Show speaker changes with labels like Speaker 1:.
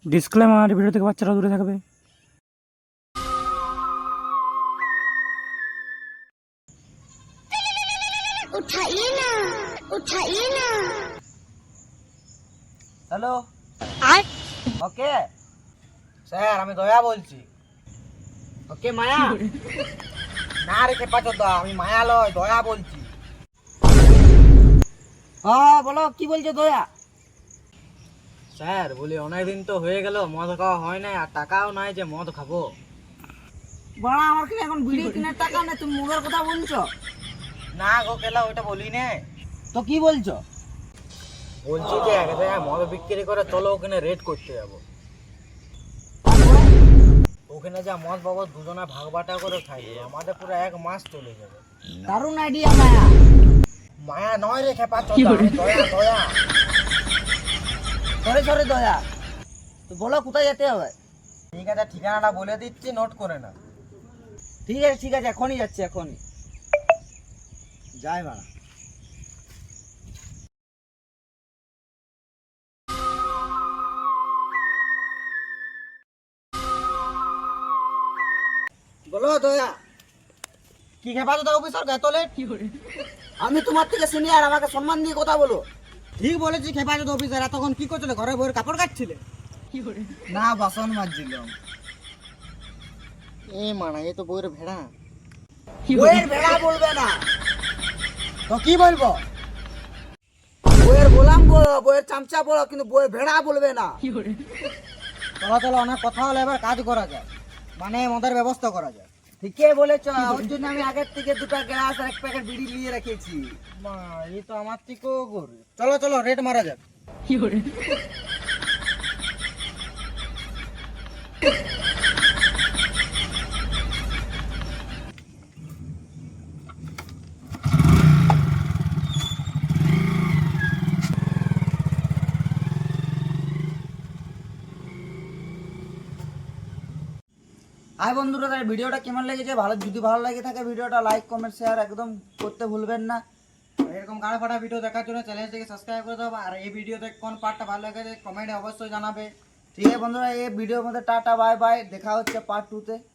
Speaker 1: Disclaimer, video থেকে বাচ্চারা দূরে থাকবে।
Speaker 2: उठाइए ना, उठाइए ना।
Speaker 3: হ্যালো, ওকে স্যার, আমি দয়া বলছি। ওকে মায়া না রেখে পাচ্ছ তো, আমি মায়া লয়, দয়া বলছি। হ্যাঁ বলো, কি বলছো দয়া? স্যার বলি অনেকদিন তো হয়ে গেল মদ খাওয়া হয় না, আর টাকাও নাই যে মদ খাবো। বাড়া, আমার কি এখন বিড়ি কেনার টাকা নেই, তুমি মদের কথা বলছো? না গো কেলা, ওইটা বলি না তো। কি বলছো? বলছি যে এক জায়গায় মদ বিক্রি করে, চলো ওখানে রেড করতে যাবো। ওখানে যা মদ পাবো দুজনে ভাগ বাটা করে খাই, আমাদের পুরো 1 মাস চলে যাবে। দারুণ আইডিয়া মায়া। মায়া নয় রেখে পাচ্ছ, দয়া দয়া। সরি সরি দয়া। তো বলো কোথায় যেতে হবে? ঠিক আছে, ঠিকানাটা বলে দিচ্ছি, নোট করে না। ঠিক আছে ঠিক আছে, এখনই যাচ্ছি, এখনই যাই মানা। বলো দয়া। কি খেপা তো অফিসার এত লেট? আমি তোমার থেকে সিনিয়র, আমাকে সম্মান দিয়ে কথা বলো। ঠিক বলেছি খেপা তো অফিসার, এতক্ষণ কি করছিলে? ঘরে বইয়ের কাপড় কাটছিলে? না, বাসন মাজছিলাম। এ মানা, এ তো বইয়ের ভেড়া। বইয়ের ভেড়া বলবে না তো কি বলবো? বইয়ের গোলাম বলো, বইয়ের চামচা বলো, কিন্তু বইয়ের ভেড়া বলবে না। চলো চলো, অনেক কথা হলো, এবার কাজ করা যায়, মানে মদের ব্যবস্থা করা যায়। ঠিকই বলেছ, ওর জন্য আমি আগের থেকে 2টা গ্লাস আর 1 প্যাকেট বিড়ি নিয়ে রেখেছি। মা, এই তো আমার থেকেও গরিব। চলো চলো, রেট মারা যাক। হাই বন্ধুরা, তাই ভিডিওটা কেমন লেগেছে? যদি ভালো লেগে থাকে ভিডিওটা লাইক কমেন্ট শেয়ার একদম করতে ভুলবেন না। এরকম গাড়া ফাটা ভিডিও দেখার জন্য চ্যানেলটিকে সাবস্ক্রাইব করে দাও। আর এই ভিডিওতে কোন পার্টটা ভালো লেগেছে কমেন্টে অবশ্যই জানাবে। ঠিক আছে বন্ধুরা, এই ভিডিওর মধ্যে টাটা বাই বাই, দেখা হচ্ছে পার্ট 2 তে।